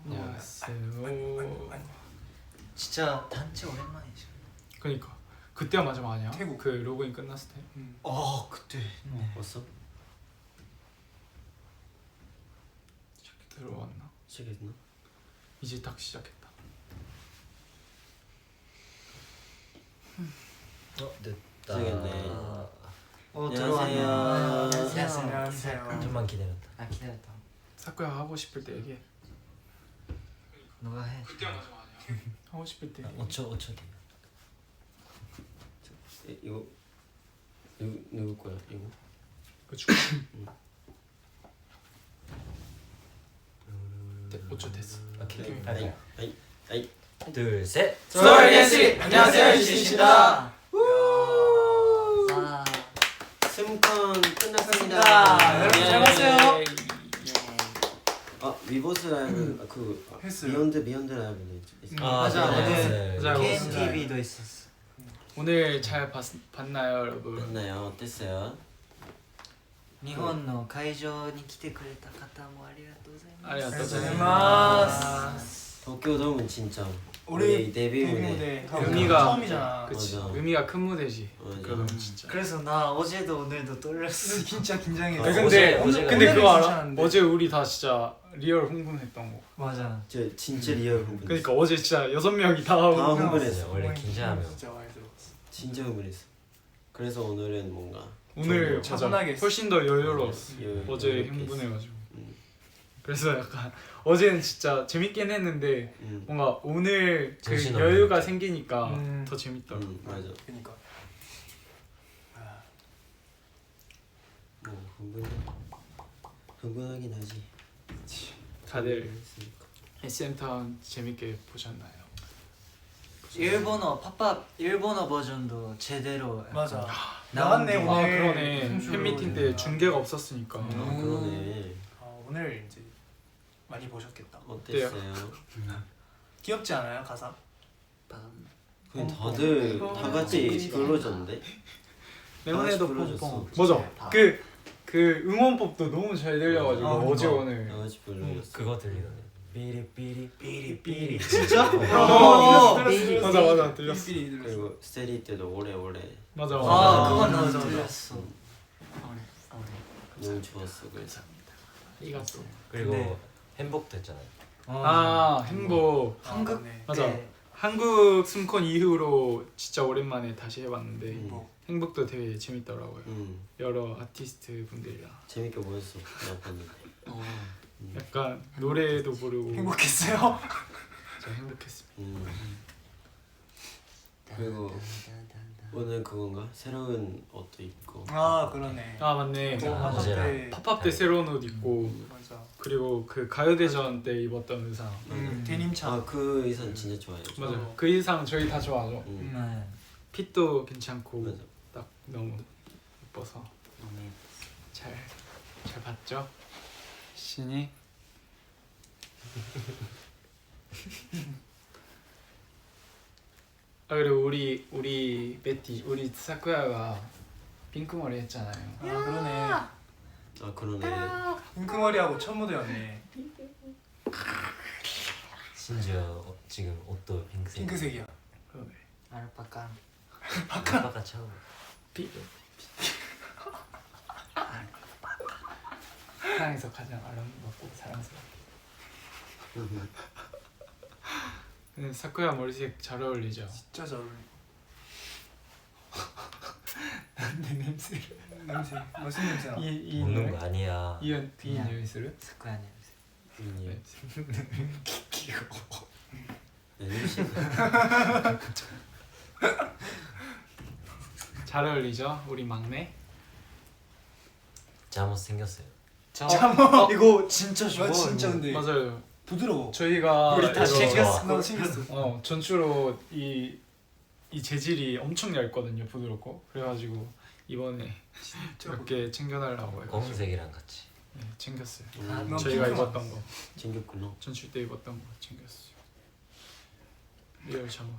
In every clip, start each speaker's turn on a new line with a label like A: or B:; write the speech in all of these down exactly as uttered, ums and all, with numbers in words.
A: 안녕하세요.
B: 진짜 단체 오랜만이죠.
A: 그니까 그때가 마지막 아니야?
C: 태국.
A: 그 로그인 끝났을 때.
C: 음.
B: 어 그때.
A: 네.
D: 왔어?
A: 들어왔나?
D: 시작했나?
A: 이제 딱 시작했다.
B: 어 됐다.
D: 시작했네.
B: 어
D: 안녕하세요.
B: 들어왔네요.
C: 안녕하세요. 안녕하세요.
B: 좀만 기다렸다.
E: 아 기다렸다.
A: 사쿠야 하고 싶을 때 얘기해.
E: 너가 해.
A: 그때가 마지막 아니야? 하고 싶을 때.
B: 오 초 오 초 뒤.
D: 에, 이거 누구 누구 거야? 이거?
A: 그 축구. 네, 오 초 됐어.
B: 오케이.
A: 오케이.
D: 아이 아이 아이.
B: 둘 셋.
C: 스토리댄스! 안녕하세요, 유진입니다.
E: 아,
D: 스무컨 끝났습니다.
C: 아, 여러분 잘 봤어요?
D: 아 위버스 라이브 아, 그
C: 했어요.
D: 비욘드 비욘드 라이브도 있- 있어.
B: 아
E: 맞아,
B: 네.
A: 맞아.
E: 케이엠티비도 있었어.
A: 오늘 잘 봤, 봤나요, 여러분?
D: 됐나요? 어땠어요?
E: 日本の会場に来てくれた方もありがとうございます。
A: 아리가또
C: 고자이마스.
D: 도쿄돔은 진짜
C: 우리
D: 우리 데뷔
C: 데뷔
D: 무대.
C: 무대
A: 의미가
C: 처음이잖아.
A: 그치.
D: 맞아.
A: 의미가 큰 무대지.
D: 맞아.
A: 그럼 진짜.
E: 그래서 나 어제도 오늘도 떨렸어.
C: 진짜 긴장해.
D: 아,
A: 근데
B: 어제-
A: 근데,
B: 어제가-
A: 근데 그거 알아?
C: 괜찮은데.
A: 어제 우리 다 진짜 리얼 흥분했던 거.
E: 맞아.
D: 저 진짜 리얼 흥분.
A: 그러니까 어제 진짜 여섯 명이 다
D: 다
A: 하고.
D: 흥분했어.
B: 원래 긴장하면.
C: 진짜 많이 들었어.
D: 진짜 흥분했어. 그래서 오늘은 뭔가
A: 오늘
D: 좀
A: 맞아.
C: 차분하게 했어.
A: 훨씬 더 여유로웠어.
D: 여-
A: 어제
D: 여유롭게
A: 흥분해가지고.
D: 음.
A: 그래서 약간 어제는 진짜 재밌긴 했는데
D: 음.
A: 뭔가 오늘 그
B: 정신없는
A: 여유가
B: 느낌.
A: 생기니까
C: 음.
A: 더 재밌더라고.
D: 음, 맞아.
C: 그니까. 아,
D: 뭐 흥분 흥분하긴 하지.
A: 다들
D: 했으니까.
A: 에스엠타운 재밌게 보셨나요?
E: 일본어 팝팝 일본어 버전도 제대로 약간
C: 맞아.
E: 나온
C: 나왔네
E: 게-
A: 아
C: 오늘.
A: 그러네.
C: 춤추러
A: 팬미팅 때
C: 오니까.
A: 중계가 없었으니까.
D: 아
C: 음.
D: 그러네.
C: 아, 오늘 이제 많이 보셨겠다.
D: 어땠어요?
C: 귀엽지 않아요 가사?
D: 그냥 다들
C: 어,
D: 다 같이 불러줬는데.
A: 레몬에도
D: 다 같이
A: 뽕뽕.
D: 불러줬어.
A: 맞아. 그 그 응원법도 너무 잘 들려가지고
C: 아,
A: 어제
C: 그러니까.
A: 오늘.
D: 다 같이 불러줬어.
B: 그거 들리던데. 삐리삐리 삐리삐리.
C: 진짜?
A: 어,
C: 들었어, 들었어.
A: 맞아 맞아 들렸어.
C: 삐삐 들었어.
D: 그리고 스테디 때도 오래오래
A: 맞아
E: 아,
A: 맞아.
E: 그건
C: 맞아,
E: 나도
C: 맞아.
E: 들렸어.
D: 너무 좋았어. 그래서
A: 이갔어.
B: 그리고
E: 근데-
B: 행복도 했잖아요.
A: 아 행복.
E: 한국
C: 네.
A: 맞아.
E: 때
A: 한국 스무콘 이후로 진짜 오랜만에 다시 해봤는데
D: 음.
C: 뭐
A: 행복도 되게 재밌더라고요.
D: 음
A: 여러 아티스트 분들이랑
D: 재밌게 보였어. 나 봤는데. 음.
A: 약간 노래도 부르고
C: 행복했어요?
A: 진짜 행복했습니다.
D: 음. 그리고 오늘 그건가? 새로운 옷도 입고.
C: 아 그러네.
A: 아 맞네.
C: 또
B: 아,
C: 팝업 때.
A: 팝업 때 새로운 옷 입고
C: 맞아.
A: 그리고 그 가요대전 때 입었던 의상.
C: 음, 데님차.
D: 아그 의상 진짜 좋아요.
A: 맞아.
C: 어.
A: 그 의상 저희 다 좋아하죠.
D: 음.
E: 네.
A: 핏도 괜찮고
D: 맞아.
A: 딱 너무 예뻐서 잘 잘 봤죠? 신이 아 그리고 우리 우리 베티 우리 사쿠야가 핑크 머리 했잖아요.
C: 아 그러네.
D: 아 그러네.
C: 핑크머리하고 첫 무대였네.
B: 심지어 어, 지금 옷도 핑크색.
C: 핑크색이야.
A: 그러네.
E: 알파카.
B: 아빠가 처음.
A: 피 세상에서 가장 아름답고 사랑스러운. 근데 사쿠야 머리색 잘 어울리죠?
C: 진짜 잘 어울려.
A: 내 냄새를
C: 냄새. 무슨 냄새나?
A: 이이
B: 먹는 거 아니야.
A: 이연 이 냄새를
E: 스쿠야 냄새.
D: 음,
A: 귀여워.
D: 네, 냄새.
A: 잘 어울리죠? 우리 막내.
B: 잠옷 생겼어요.
E: 잠옷 이거 진짜 좋아.
C: 아 진짜
E: 이거.
C: 근데
A: 맞아요.
C: 부드러워.
A: 저희가
E: 우리 다
A: 이거-
E: 챙겼어.
C: 나 챙겼어.
A: 어 전추로 이, 이 재질이 엄청 얇거든요. 부드럽고 그래가지고 이번에 몇 개 챙겨달라고 해가지고
B: 검은색이랑 같이.
A: 네, 챙겼어요.
C: 아,
D: 음,
C: 넌
A: 저희가
C: 핑크만
A: 입었던 거
D: 챙겼구나.
A: 전출 때 입었던 거 챙겼어요. 리얼 잠옷.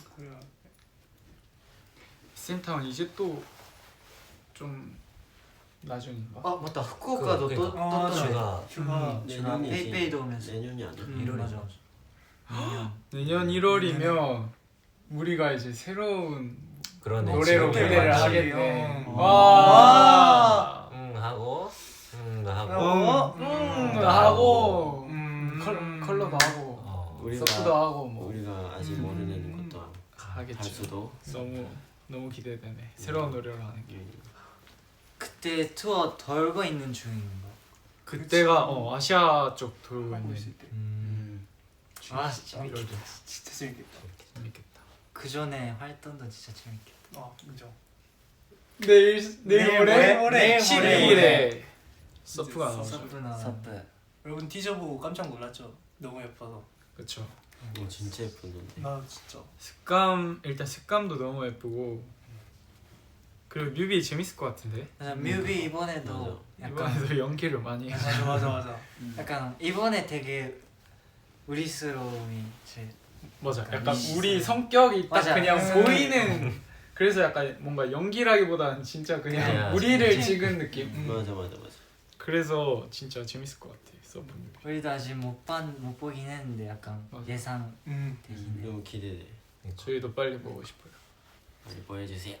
A: 센타운 이제 또 좀 나중인가?
E: 아 맞다 후쿠오카도
B: 그,
E: 또
B: 그러니까.
C: 아,
E: 떴더라.
B: 휴가
C: 휴가
A: 음.
E: 제가
D: 내년이지.
E: 페이페이도 오면서
D: 내년이 아니야.
A: 음.
E: 일월이죠. 내년.
A: 내년 일월이면 우리가 이제 새로운
B: 그러네.
A: 노래로
B: 지금
A: 무대를
C: 맞지.
A: 하겠네.
C: 어.
A: 와.
B: 응 하고 응 하고
C: 어?
A: 음,
C: 음.
A: 하고
C: 음.
A: 컬, 컬러도 하고
B: 어.
D: 우리가
A: 서브도 하고 뭐
D: 우리가 아직
C: 음.
D: 모르는 것도
A: 하겠죠.
D: 할 수도.
A: 너무 너무 기대되네. 새로운 노래를 하는 게.
E: 그때 투어 돌고 있는 중인가?
A: 그때가 어 아시아 쪽 돌고
C: 하고
A: 있는
C: 있을 때
B: 음.
E: 아 진짜
A: 일월도
C: 진짜 재밌겠다.
A: 재밌겠다.
E: 그 전에 활동도 진짜 재밌겠다.
C: 아 인정.
A: 내일
C: 내일
A: 내일
C: 모레?
A: 모레
C: 내일
A: 십이
C: 모레.
A: 일에 서프가
C: 이제
A: 나오죠.
E: 서프나
D: 서프.
C: 여러분 티저 보고 깜짝 놀랐죠? 너무 예뻐서.
A: 그렇죠.
D: 어 진짜 예쁜 건데.
C: 나 진짜.
A: 색감 일단 색감도 너무 예쁘고 그리고 뮤비 재밌을 것 같은데.
E: 맞아, 뮤비 이번에도 약간
A: 이번에도 연기를 많이 해.
C: 맞아 맞아 맞아.
E: 약간 이번에 되게 우리스러움이 제
A: 맞아.
E: 약간
A: 약간
E: 이-
A: 우리 성격이 딱
E: 맞아.
A: 그냥
C: 음.
A: 보이는. 그래서 약간 뭔가 연기라기보다는 진짜 그냥
B: 그냥
A: 우리를
E: 진짜.
A: 찍은 느낌.
C: 음.
D: 맞아 맞아 맞아.
A: 그래서 진짜 재밌을 것 같아. 서브 뮤비.
E: 우리도 아직 못본못 보긴 했는데 약간
A: 맞아.
E: 예상
C: 음.
E: 되긴 해.
D: 너무 기대돼.
A: 저희도 빨리 보고 싶어요.
D: 빨리 보여주세요.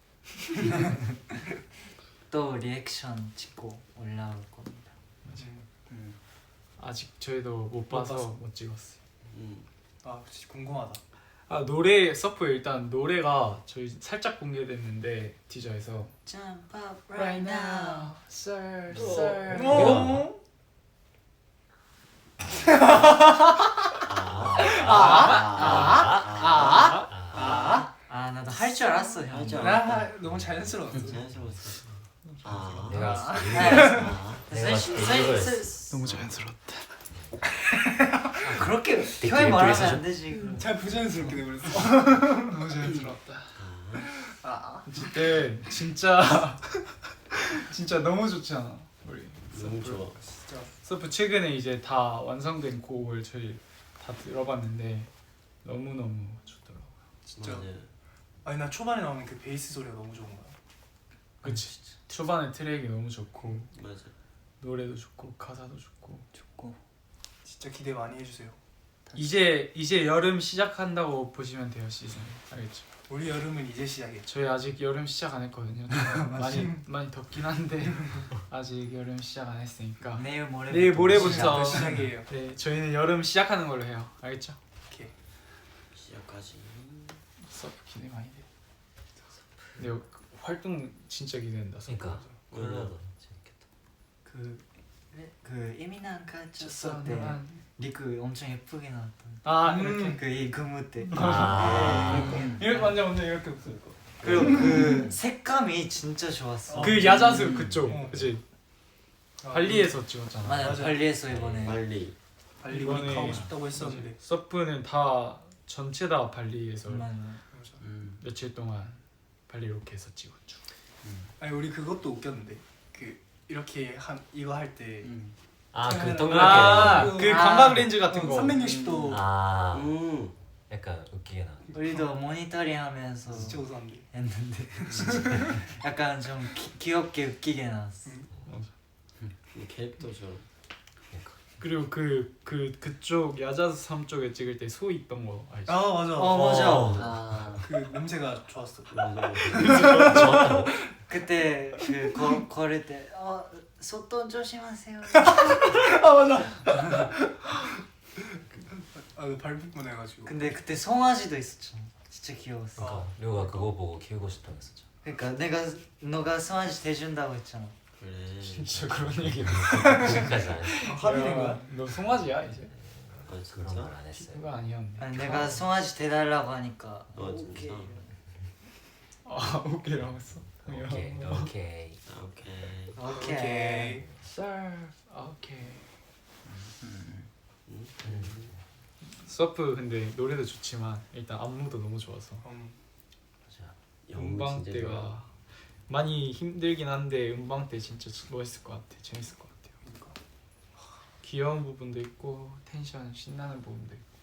E: 또 리액션 찍고 올라올 겁니다.
A: 맞아.
C: 음.
A: 아직 저희도 못 봐서
C: 봤어.
A: 못 찍었어요.
D: 음.
C: 아 진짜 궁금하다.
A: 아 노래 서프 일단 노래가 저희 살짝 공개됐는데 티저에서
E: Jump up right now.
A: sir,
B: sir.
C: 어?
D: 아.
A: 아,
E: 아 나도 할 줄 알았어 형.
D: 할 줄
C: 나 너무 자연스러웠어.
D: 자연스러웠어. 아.
B: 내가
D: 아.
B: 내가
E: 셀-
B: 봤을 때
E: 셀-
B: 이거였어.
E: 셀-
A: 너무 자연스럽다.
E: 아, 그렇게
B: 댓글
E: 형이 말하면
B: 예쁘게
E: 안 되지.
C: 잘 부자연스럽게 돼버렸어.
A: 너무 자연스럽다.
C: 아.
A: 그때 진짜 진짜 너무 좋지 않아 우리
D: 너무
A: 서프.
D: 좋아.
C: 진짜.
A: 서프 최근에 이제 다 완성된 곡을 저희 다 들어봤는데 너무 너무 좋더라고.
C: 진짜.
D: 맞아.
C: 아니 나 초반에 나오는 그 베이스 소리가 너무 좋은 거야.
A: 그치. 초반에 트랙이 너무 좋고
D: 맞아.
A: 노래도 좋고 가사도 좋고.
E: 좋고.
C: 진짜 기대 많이 해주세요.
A: 이제 이제 여름 시작한다고 보시면 돼요 시즌. 알겠죠?
C: 우리 여름은 이제 시작이야.
A: 저희 아직 여름 시작 안 했거든요. 많이 많이 덥긴 한데 아직 여름 시작 안 했으니까
E: 내일 모레.
A: 내일 모레부터
C: 시작부터 시작이에요.
A: 네 저희는 여름 시작하는 걸로 해요. 알겠죠?
C: 오케이.
D: 시작까지.
A: 서프 기대 많이 돼. 근데 활동 진짜 기대된다.
B: 그러니까
A: 서프가.
B: 콜라도 재밌겠다.
E: 그 그 이민한 가쳤을 때 리크 엄청 예쁘게 나왔던.
A: 아
C: 음.
A: 이렇게
E: 그이 근무 때.
B: 아.
A: 이렇게 완전 완전 이렇게 없을 거.
E: 그리고 그 색감이 진짜 좋았어.
C: 어.
A: 그 야자수 그쪽
C: 어.
A: 그치?
C: 아,
A: 발리에서 찍었잖아.
E: 맞아,
C: 맞아.
E: 발리에서 이번에.
D: 빨리.
C: 발리
A: 이번에
C: 우리 가고 싶다고 했었는데.
A: 서프는 다 전체 다 발리에서
E: 맞아.
C: 맞아.
D: 음.
A: 며칠 동안 발리 로케에서 찍었죠.
C: 아니 우리 그것도 웃겼는데 그 이렇게 한 이거 할 때
D: 음.
B: 아그
C: 아,
B: 동그랗게
A: 아,
B: 되는 거.
A: 그
E: 아.
A: 감각 렌즈 같은 거.
C: 삼백육십 도
B: 아
D: 음.
B: 약간 웃기게 나.
E: 우리도 모니터링 하면서
C: 진짜 웃었는데.
E: 했는데 약간 좀 기, 귀엽게 웃기게 나왔어.
D: 이 캐릭터처럼.
B: 그러니까.
A: 그리고 그 그 그쪽 야자수 섬 쪽에 찍을 때 소 있던 거 알지?
C: 아 맞아.
E: 어 맞아.
B: 어.
E: 아
C: 그 냄새가 좋았어.
D: 맞아.
B: 좋았다고?
E: 그때 그 거, 걸을 때어 소돈 조심하세요.
C: 아 맞아. 아그 발부분 해가지고.
E: 근데 그때 송아지도 있었잖아. 진짜 귀여웠어.
B: 그러니까 류가 그거 보고 키우고 싶다고 했었죠.
E: 그러니까 내가 너가 송아지 대준다고 했잖아.
D: 그래.
A: 진짜 그런 얘기.
B: 지금까지 안 했어.
C: 합의된 거야?
A: 너 송아지야 이제?
D: 아
B: 그런
D: 진짜?
B: 걸 안 했어요.
A: 그거 아니었네.
E: 아니 내가 송아지 대달라고 하니까
D: 아
E: 오케이.
D: 진짜?
A: 아 오케이라고 했어.
B: 오케이 오케이.
D: 아 오케이.
E: 오케이.
C: 오케이.
A: Sir. 오케이.
D: 음.
A: 서프 근데 노래도 좋지만 일단 안무도 너무 좋아서
C: 음.
B: 맞아.
A: 음방
D: 진짜 좋아.
A: 때가 많이 힘들긴 한데 음방 때 진짜 멋있을 것 같아. 재밌을 것 같아요.
C: 그러니까.
A: 귀여운 부분도 있고 텐션 신나는 부분도 있고.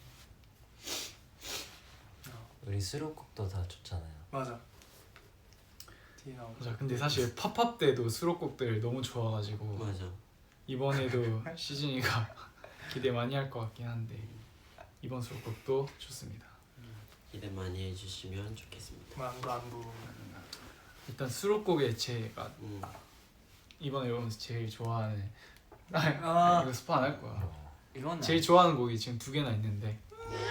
B: 우리 수록곡도 다 좋잖아요.
C: 맞아. 뒤에 나오고.
A: 맞아. 근데 사실 팝업 때도 수록곡들 너무 좋아가지고
D: 맞아.
A: 이번에도 시즌이가 기대 많이 할 것 같긴 한데 이번 수록곡도 좋습니다.
D: 기대 많이 해주시면 좋겠습니다.
C: 안부 안부.
A: 일단 수록곡의 제가
D: 음.
A: 이번 앨범에서 제일 좋아하는 아,
C: 아.
A: 이거 스포 안 할 거야.
E: 이건
A: 제일 좋아하는 곡이 지금 두 개나 있는데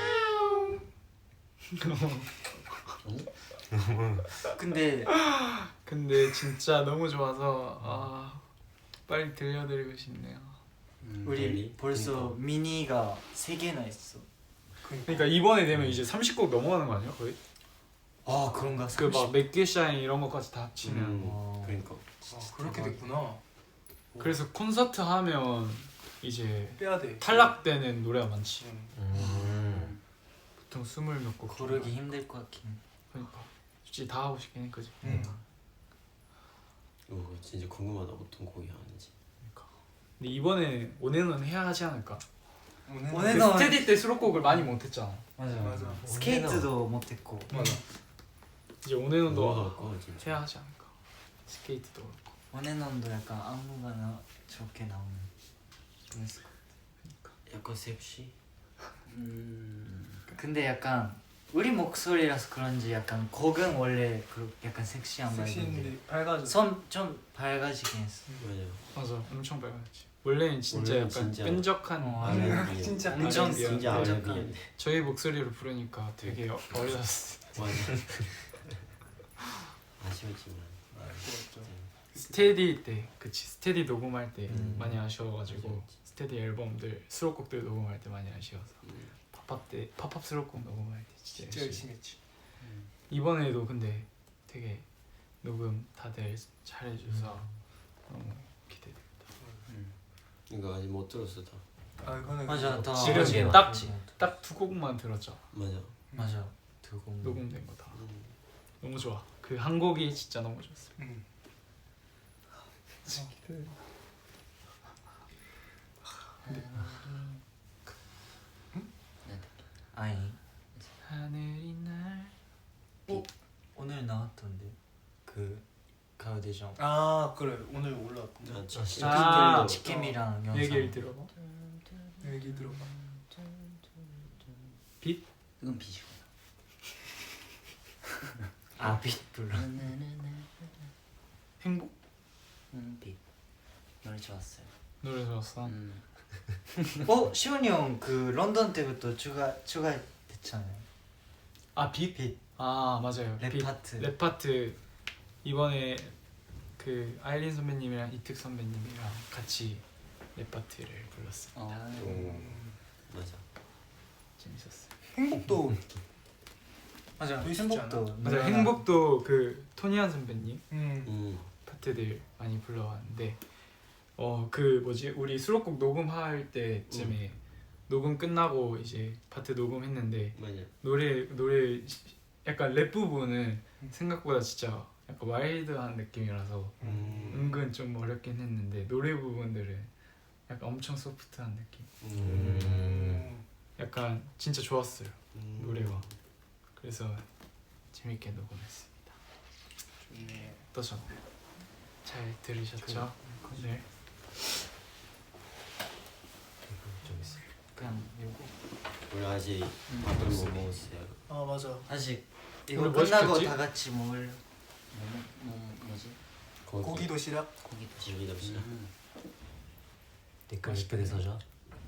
E: 근데
A: 근데 진짜 너무 좋아서 아 빨리 들려드리고 싶네요.
D: 음,
E: 우리
D: 빨리.
E: 벌써
D: 그러니까.
E: 미니가 세 개나 있어.
A: 그러니까 이번에 되면 이제 삼십 곡 넘어가는 거 아니야 거의?
E: 아 그런가?
A: 그 막 맥기 샤인 이런 것까지 다 합치면
D: 음,
E: 어.
D: 그러니까.
C: 아, 그렇게 됐구나.
A: 그래서 콘서트 하면 이제
C: 빼야 돼.
A: 탈락되는 노래가 많지.
C: 음.
B: 음.
A: 보통 스물 몇 곡.
E: 고르기 힘들 것 같긴.
A: 그러니까 솔직히 다 하고 싶긴 해 그지.
C: 음.
D: 오, 진짜 궁금하다. 어떤 곡이 하는지.
A: 그러니까. 근데 이번에 온앤온 해야 하지 않을까?
C: 오늘
E: 오늘
A: 그
E: 너-
A: 스테디 때 수록곡을 많이 못했잖아.
E: 맞아
C: 맞아.
E: 스케이트도 못했고.
A: 맞아. 이제 온앤온도
D: 뭐가 할까 진짜.
A: 해야 하지 않을까? 스케이트도 그렇고.
E: 원앤원도 약간 아무거나 저렇게 나오는 재밌을 것
D: 약간 섹시.
E: 음. 근데 약간 우리 목소리라서 그런지 약간 곡은 원래 그 약간 섹시한 말인데
C: 섹시인데 밝아져.
E: 손좀 밝아지긴 했어.
D: 맞아.
A: 맞아, 엄청 밝았지. 원래는 진짜
D: 원래는
A: 약간
D: 진짜-
A: 끈적한
E: 어,
D: 아,
E: 네.
C: 진짜
E: 엄청
A: R&B 야.
D: 진짜
E: 끈적한.
D: 아이비야.
A: 저희 목소리로 부르니까 되게 어- 어려웠어.
D: 맞아. 아쉬웠지만.
C: 좋았죠.
A: 스테디 때, 그치 스테디 녹음할 때
D: 음.
A: 많이 아쉬워가지고 스테디 앨범들 수록곡들 녹음할 때 많이 아쉬워서
D: 음.
A: 팝업 때 팝업 수록곡 녹음할 때 진짜,
C: 진짜
A: 열심히.
C: 열심히 했지.
A: 이번에도 근데 되게 녹음 다들 잘해줘서 너무 기대됩니다.
D: 이거 아직 못 들었어 다.
C: 아 이거는
E: 맞아, 다
A: 지금
E: 어제
A: 딱-
E: 맞지.
A: 딱 두 곡만 들었죠.
D: 맞아.
E: 맞아. 두곡
A: 녹음된 거 다.
D: 음.
A: 너무 좋아. 그 한 곡이 진짜 너무 좋았어.
C: 음.
E: 아니
A: 하늘이 날
E: 오늘 나왔던데 그 가요대전
C: 아 그래 오늘 올라왔던데.
D: 아, 치-
A: 아,
D: 치킨도-
E: 치캠이랑 영상
A: 얘기를 들어봐.
C: 얘기 들어봐.
A: 빛?
E: 이건 비죠. 아 빛 불러.
A: 행복?
E: 음, 빛 노래 좋았어요.
A: 노래 좋았어.
E: 음. 어 시원이 형 그 런던 때부터 추가 추가됐잖아요.
A: 아 빛?
E: 빛.
A: 아 맞아요.
E: 랩
A: 빛.
E: 파트.
A: 랩 파트 이번에 그 아일린 선배님이랑 이특 선배님이랑 같이 랩 파트를 불렀습니다.
E: 어.
D: 오, 맞아.
A: 재밌었어요.
C: 행복도
E: 맞아.
C: 되게 쉽지
E: 행복도
C: 않아?
A: 맞아요.
E: 노래가-
A: 행복도 그 토니안 선배님
C: 음.
D: 음.
A: 파트들 많이 불러왔는데 어 그 뭐지 우리 수록곡 녹음할 때쯤에 녹음 끝나고 이제 파트 녹음했는데
D: 맞아.
A: 노래 노래 시- 약간 랩 부분은 생각보다 진짜 약간 와일드한 느낌이라서
D: 음.
A: 은근 좀 어렵긴 했는데 노래 부분들은 약간 엄청 소프트한 느낌.
D: 음.
A: 약간 진짜 좋았어요
D: 음.
A: 노래가. 그래서 재밌게 녹음했습니다.
C: 좋네.
A: 어떠셨나요? 잘 들으셨죠? 네.
B: 좀 있어.
E: 그냥 요거
D: 우리 아직
E: 음,
D: 밥을 못
E: 없어.
D: 먹었어요.
C: 아 맞아.
E: 아직 이거
A: 오늘 뭐
E: 끝나고
A: 시켰지?
E: 다 같이 먹을 뭐, 뭐 뭐지?
D: 고기.
C: 고기 도시락.
E: 고기 도시.
D: 고기 도시락.
B: 댓글 이쁘게 써줘.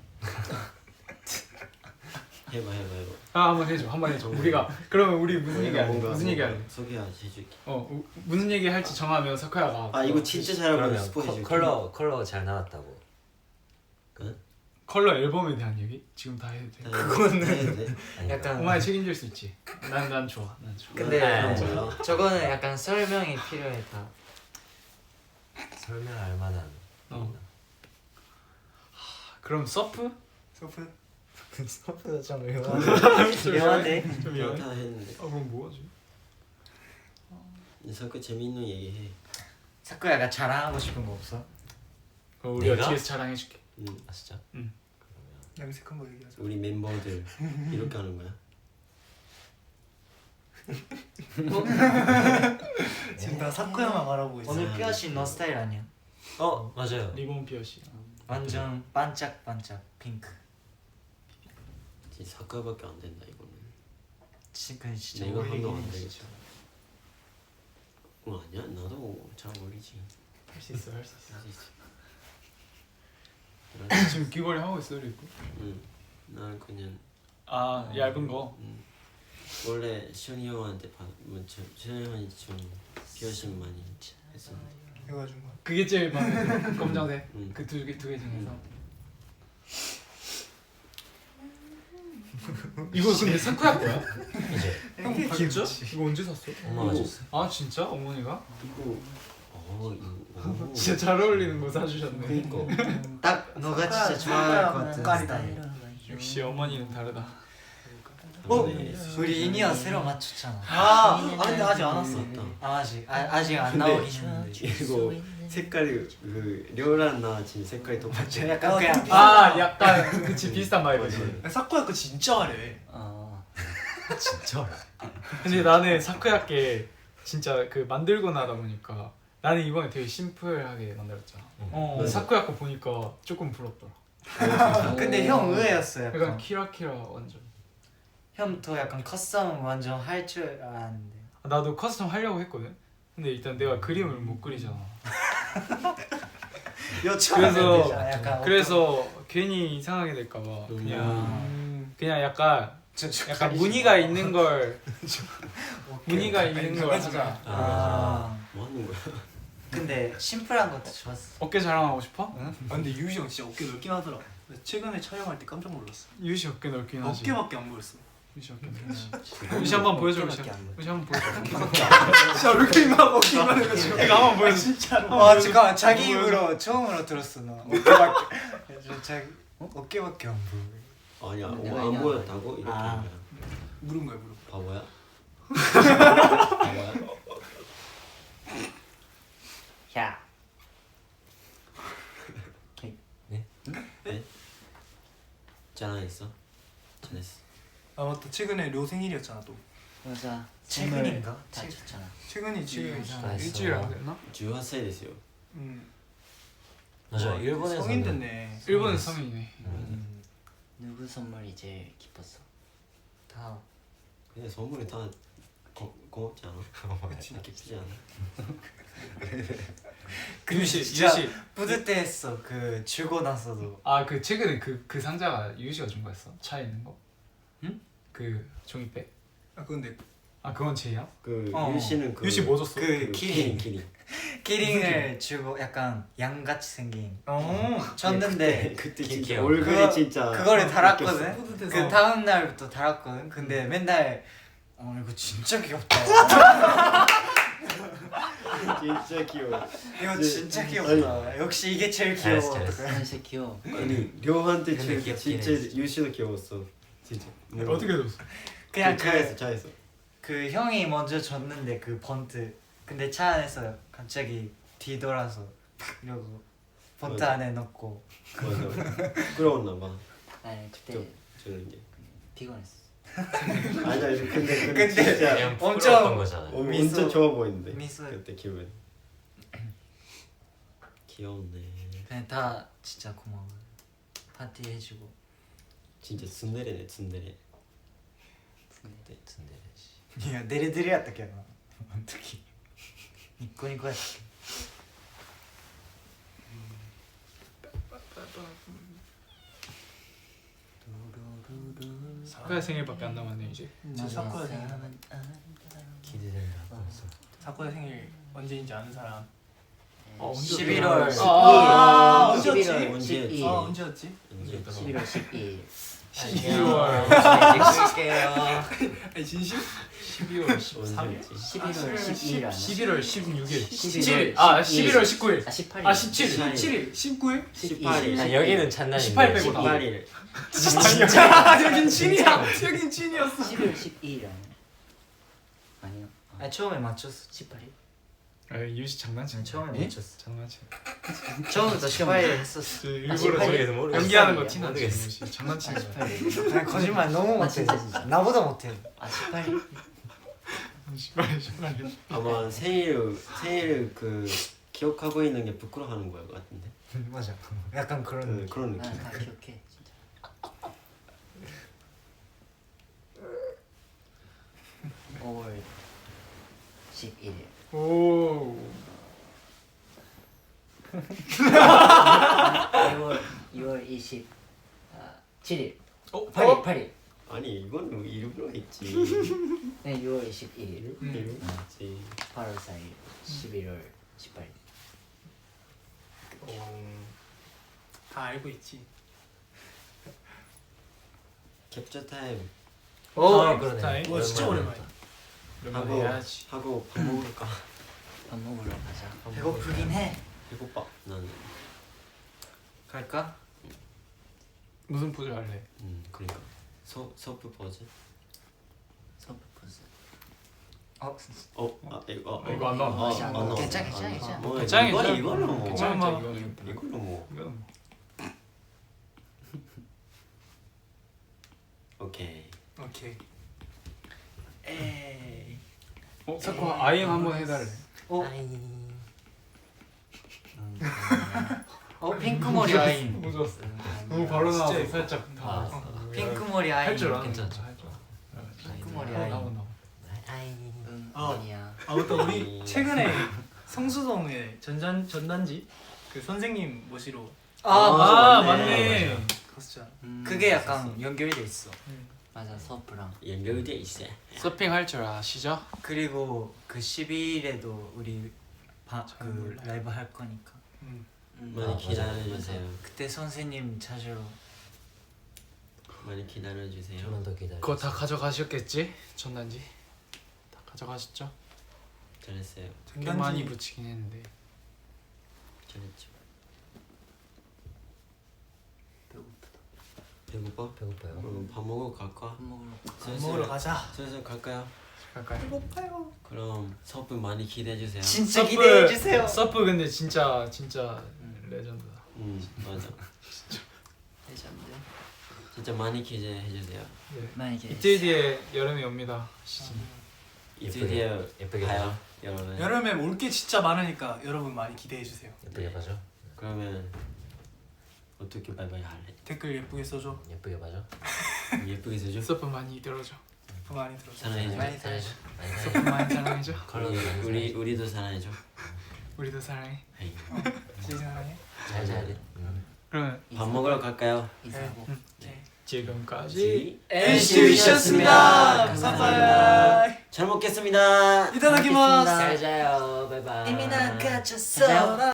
D: 해봐 해봐 해봐.
A: 아 한번 해줘 한번 해줘 우리가 그러면 우리 무슨 얘기 할래? 무슨 얘기 할래?
D: 소개 해줄게.
A: 어 우- 무슨 얘기 할지 정하면 석화야가
D: 아 이거 진짜 잘하면
B: 그러면
D: 스포
B: 커,
D: 해줄게.
B: 컬러 컬러 잘 나왔다고.
A: 컬러 앨범에 대한 얘기? 지금 다 해도 돼?
D: 그거는 해도 돼.
B: 아니,
E: 약간
A: 엄마에 책임질 수 있지. 난 난 좋아. 난 좋아.
E: 근데
B: 네.
E: 저거는 약간 설명이 필요해 다.
B: 설명할 만한.
A: 어. 그럼 서프?
C: 소프.
E: 스포츠가 좀
A: 좀
E: 미안한데.
A: 좀
D: 그냥
A: 미안해.
D: 다 했는데.
A: 아 그럼 뭐하지?
D: 설거 재밌는 얘기해.
E: 사쿠야가 자랑하고 싶은 거 없어?
A: 그럼 우리가
B: 내가?
A: 뒤에서 자랑해줄게.
D: 음,
B: 아 진짜?
A: 응.
C: 염색한 거 얘기하자.
D: 우리 멤버들 이렇게 하는 거야.
C: 지금 다 사쿠야만 말하고 있어.
E: 오늘 피어싱 너 스타일 아니야?
B: 어 맞아요.
A: 리본 피어시.
E: 완전 반짝반짝 핑크.
D: 진짜 사과밖에 안 된다 이거는.
E: 지금 진짜
D: 내가
E: 어울리긴
D: 하면 안
E: 해,
D: 되겠어.
E: 진짜.
D: 어 아니야 나도 잘 어울리지.
A: 할 수 있어 할 수 있어.
D: 할 수 있어.
A: 지금 귀걸이 하고 있어 리고.
D: 응. 난 그냥
A: 아 얇은 거.
D: 음, 원래 시현이 형한테 받, 뭐, 저, 시현이 형이 좀 피어싱 많이 했었는데.
C: 해가지고
A: 그게 제일 마음에 들어. 검정색.
D: 응.
A: 그 두 개 두 개 중에서. 이거 근데 사쿠야 거야?
B: 이제
A: 형 진짜? 이거 언제 샀어?
B: 엄마가 줬어.
A: 아 진짜? 어머니가?
D: 이거 어 이거 오.
A: 진짜 잘 어울리는 거 사주셨네.
D: 그니까
E: 딱 너가 진짜 좋아할 것 같은
C: 깔이다.
E: 스타일.
A: 역시 어머니는 다르다.
E: 어?
D: 네.
E: 우리 이니어 새로 맞췄잖아.
C: 아, 아 근데 아직 안 왔어.
D: 맞다.
E: 아, 아직 아, 아직 안
D: 근데
E: 나오긴 했는데.
D: 이거 색깔이 그 료랑 나 지금 색깔이 똑같아.
E: 약간 그냥
A: 아 약간 그치 비슷한 바이브지.
C: 사쿠야 거 진짜 화려해.
E: 어.
B: 진짜.
A: 근데 나는 사쿠야께 진짜 그 만들고 나다 보니까 나는 이번에 되게 심플하게 만들었잖아. 어,
D: 맞아.
A: 사쿠야 거 보니까 조금 부럽더라.
E: 근데 형 의외였어
A: 약간
E: 약간.
A: 키라키라 완전.
E: 형도 약간 커스텀 완전 할 줄 알았는데.
A: 아, 나도 커스텀 하려고 했거든. 근데 일단 내가 그림을 못 그리잖아. 그래서
E: 약간
A: 그래서 괜히 이상하게 될까봐 그냥
C: 음.
A: 그냥 약간 약간 무늬가 있는 걸 무늬가 있는 걸 하자.
E: 아.
D: 뭐 하는 거야?
E: 근데 심플한 것도 좋았어.
A: 어깨 자랑하고 싶어?
C: 아 근데 유희 형 진짜 어깨 넓긴 하더라. 최근에 촬영할 때 깜짝 놀랐어.
A: 유시 어깨 넓긴 하지.
C: 어깨밖에 안 보였어.
A: 유시 어깨 넓긴. 유시 한번 보여줘. 유시 유시 한번 보여줘.
C: 진짜 얼굴만 어깨만 해가지고.
A: 이거 한번 보여줘.
C: 진짜로.
E: 아 잠깐만 자기 입으로 처음으로 들었어 나. 어깨밖에 저 자기 어깨밖에 안 보여.
D: 아니야
E: 내가
D: 어, 안
E: 얘기한
D: 보였다고 이렇게
E: 아.
D: 한 거야.
C: 물은 거야 물은.
D: 바보야? 바보야?
E: 야.
D: 짠했어? 짠했어.
C: 아 맞다 최근에 료 생일이었잖아 또.
F: 맞아.
E: 최근인가?
F: 다 쳤잖아.
C: 최근이 지금.
E: 아,
A: 일주일 안 됐나?
D: 십팔 살 됐어요.
C: 음.
B: 맞아.
C: 와,
B: 일본에서
C: 성인 됐네.
A: 일본은 성인이네.
C: 음.
F: 누구 선물이 제일 기뻤어?
E: 다.
D: 근데 선물이 다 고, 고맙지 않아? 진짜 기쁘지 않아?
A: 유시
E: 진짜
A: 유시.
E: 뿌듯해했어. 그 주고 나서도.
A: 아 그 최근에 그 그 상자가 유시가 준 거였어? 차에 있는 거? 응? 그 종이백?
C: 아 근데
A: 아 그건 제이야?
D: 그
E: 어.
D: 유씨는 그
A: 유시 뭐 줬어?
E: 그
D: 그
E: 키링.
D: 키링
E: 키링을 주고 약간 양같이 생긴
C: 어.
E: 줬는데
D: 그때
B: 키-
D: 진짜
B: 귀여워.
D: 얼굴이
E: 그거-
D: 진짜
E: 그거를 달았거든.
D: 웃겼어.
C: 뿌듯해서.
E: 그 다음 날부터 달았거든. 근데 맨날 어 이거 진짜 귀엽다.
D: 진짜 귀여워.
E: 이거
D: 네.
E: 진짜 귀엽다. 역시 이게 제일 귀여워.
B: 잘했어, 잘했어.
E: 어떡해.
F: 진짜 귀여워.
D: 아니 료한테
B: 근데
D: 진짜
B: 귀엽긴
D: 진짜
B: 해,
D: 유씨도 귀여웠어. 진짜.
A: 어떻게 줬어?
E: 그냥
D: 차에서
E: 그,
D: 차에서.
E: 그 형이 먼저 줬는데 그 번트. 근데 차 안에서 갑자기 뒤돌아서 이러고 번트
D: 맞아.
E: 안에 넣고.
D: 맞아. 부끄러웠나 봐.
F: 아니 그때
D: 저- 저런 게.
F: 피곤했어.
D: 아니야 근데 근데,
E: 근데
D: 진짜
B: 그냥
E: 엄청-
B: 부끄러웠던 거잖아요.
D: 어,
E: 미소-
D: 엄청 좋아 보이는데.
E: 미소.
D: 그때 기분. 귀여웠네.
E: 그냥 다 진짜 고마워. 파티 해주고.
D: 진짜 츤데레네 츤데레.
B: 네, 근데
E: いやデレデレやったけどなあの時ニッコニコやったけど
A: 사쿠야 생일밖에 안 남았네 이제.
C: 진짜 사쿠야 생일.
B: 기대된다. 벌써.
C: 사쿠야 생일 언제인지 아는 사람.
A: 아, 언제
E: 십일월
A: 아,
E: 십이 일.
C: 아,
F: 십일월
C: 언제였지?
F: 십이 일.
C: 아 언제였지?
D: 언제?
F: 십일월 십이
A: 십이월
E: 찍을게요.
C: 아니 진심?
A: 십이월 십삼 일?
D: 언제였지?
F: 십일월 십이 일 아니야?
A: 십일월 십육 일.
F: 십일월
A: 십칠. 아
F: 십이 일.
A: 십일월 십구 일.
F: 아 십팔 일.
A: 아 십칠 일.
C: 십칠 일, 십구 일?
D: 십팔 일.
B: 아, 여기는 찬날인데.
A: 십팔 빼고 다.
D: 십팔 일.
C: 아 여긴 찐이야. 여긴 찐이었어.
F: 십일월 십이 일 아니야? 아니요. 아,
E: 아 처음에 맞췄어.
F: 십팔 일?
A: 아 유시 장난치는
E: 처음에
A: 거야.
E: 맞췄어.
A: 장난치.
E: 처음부터 십팔 일 했었어.
A: 저 일부러
F: 십팔 일?
A: 저기
B: 모르겠어.
A: 연기하는 거
F: 모르겠어.
A: 티나지.
B: 모르겠어.
A: 유시. 장난치는 거야.
F: 십팔 일.
E: 아니, 거짓말 너무
F: 아,
E: 못해.
F: 진짜, 진짜.
E: 나보다 못해.
F: 아 십팔 일?
A: 신발에 신발에.
D: 아마 생일 생일 그 기억하고 있는 게 부끄러워하는 거야 같은데.
E: 맞아. 약간 그런
D: 그,
E: 느낌.
D: 그런
F: 나
D: 느낌.
F: 다 기억해 진짜. 오월 십일일.
A: 오.
F: 이월 이월 이십칠일.
A: 어?
F: 팔일 팔일.
D: 아니 이거는 일부러 했지.
F: 네, 유월 이십일일.
A: 음.
D: 일부러 했지.
F: 팔월 사일. 십일월 십팔일.
C: 어, 다 알고 있지.
D: 캡처 타임
A: 오.
E: 아, 그러네.
A: 타임.
C: 와 진짜 오랜만이야.
A: 오랜만에
D: 하고
A: 해야지.
D: 하고 밥 먹을까?
F: 밥 먹으러 가자.
D: 밥
E: 배고프긴 해.
D: 배고파. 나는.
E: 갈까?
A: 무슨 포즈 할래?
D: 음 그러니까 서 서프 포즈.
F: 서프포즈.
E: 어,
D: 어, 아 이거
A: 어, 이거 안 나와.
D: 아,
F: 괜찮아,
D: 안 나와.
F: 괜찮아,
D: 안
F: 괜찮아,
D: 나와.
F: 괜찮아.
D: 뭐,
A: 괜찮아,
D: 이거
A: 괜찮아.
D: 이거는 뭐
A: 괜찮아,
C: 얼마?
A: 이거는.
D: 이거는 뭐
A: 이건
D: 오케이.
C: 오케이. 에이.
A: 어, 사코 아이엠 한번 해달래.
E: 어?
B: 아이.
E: 어 핑크 머리 아인.
A: 너무 좋았어. 너무 바로 나와서
C: 진짜
A: 살짝
B: 아,
A: 다.
E: 핑크 머리 아인.
A: 할줄 아는
B: 괜찮죠.
A: 할줄 알아.
E: 핑크 머리
A: 나와
E: 아인.
A: 나와 나와.
B: 아이.
F: 응
C: 아.
F: 아니야.
C: 아 맞다 우리 최근에 성수동에 전단 전단지 그 선생님 모시러
E: 아,
A: 아,
E: 맞네.
A: 맞네.
C: 갔었잖아.
F: 음,
E: 그게 약간 연결돼 있어.
F: 맞아 서프랑.
D: 연결돼 있어.
A: 서핑 할 줄 아시죠?
E: 그리고 그 십이일에도 우리 바, 그
A: 몰라요.
E: 라이브 할 거니까
C: 음.
F: 음,
D: 많이
B: 아,
D: 기다려 주세요.
E: 그때 선생님 찾으러
D: 많이 기다려 주세요.
B: 조금만 더 기다려.
A: 그거 다 가져가셨겠지? 전단지 다 가져가셨죠?
D: 잘했어요.
A: 꽤
C: 전단지-
A: 많이 붙이긴 했는데.
D: 잘했죠.
F: 배고프다.
D: 배고파?
B: 배고파요.
D: 그럼 밥 먹으러 갈까?
F: 밥 먹으러.
C: 밥 먹으러 가자.
D: 슬슬 갈까요?
A: 갈까요?
C: 배고파요.
D: 그럼 서프 많이 기대해 주세요.
E: 진짜
A: 서프-
E: 기대해 주세요.
A: 서프 근데 진짜 진짜 레전드다.
D: 음 맞아.
F: 레전드.
D: 진짜 많이 기대해 주세요.
A: 네.
F: 만약에
A: 이틀 뒤에 여름이 옵니다. 시즌.
D: 이틀 뒤에
B: 예쁘게
D: 봐요,
B: 봐줘.
D: 여러분.
C: 여름에 올 게 진짜 많으니까 여러분 많이 기대해 주세요.
B: 예쁘게 봐줘.
D: 그러면 어떻게 바이바이 할래?
C: 댓글 예쁘게 써줘.
B: 예쁘게 봐줘.
D: 예쁘게 써줘.
A: 서프 많이 들어줘.
C: 그 많이 들어줘.
D: 사랑해줘.
F: 많이 사랑해.
B: 많이
A: 서프
B: 사랑해.
A: 많이 사랑해줘.
B: 컬러도 많이
D: 우리 우리 우리도 사랑해줘.
A: 우리도 사랑해.
D: 에이.
C: 진짜 사랑해.
B: 잘 자야 응.
A: 그러면
D: 밥 먹으러 갈까요?
F: 인사하고.
C: 네.
A: 지금까지
C: 엔시티 위시였습니다. 감사합니다.
D: 잘 먹겠습니다.
C: 이타다키마스.
F: 잘 자요. 바이바이.
E: 이미 난 갇혔어.
F: 잘 자요.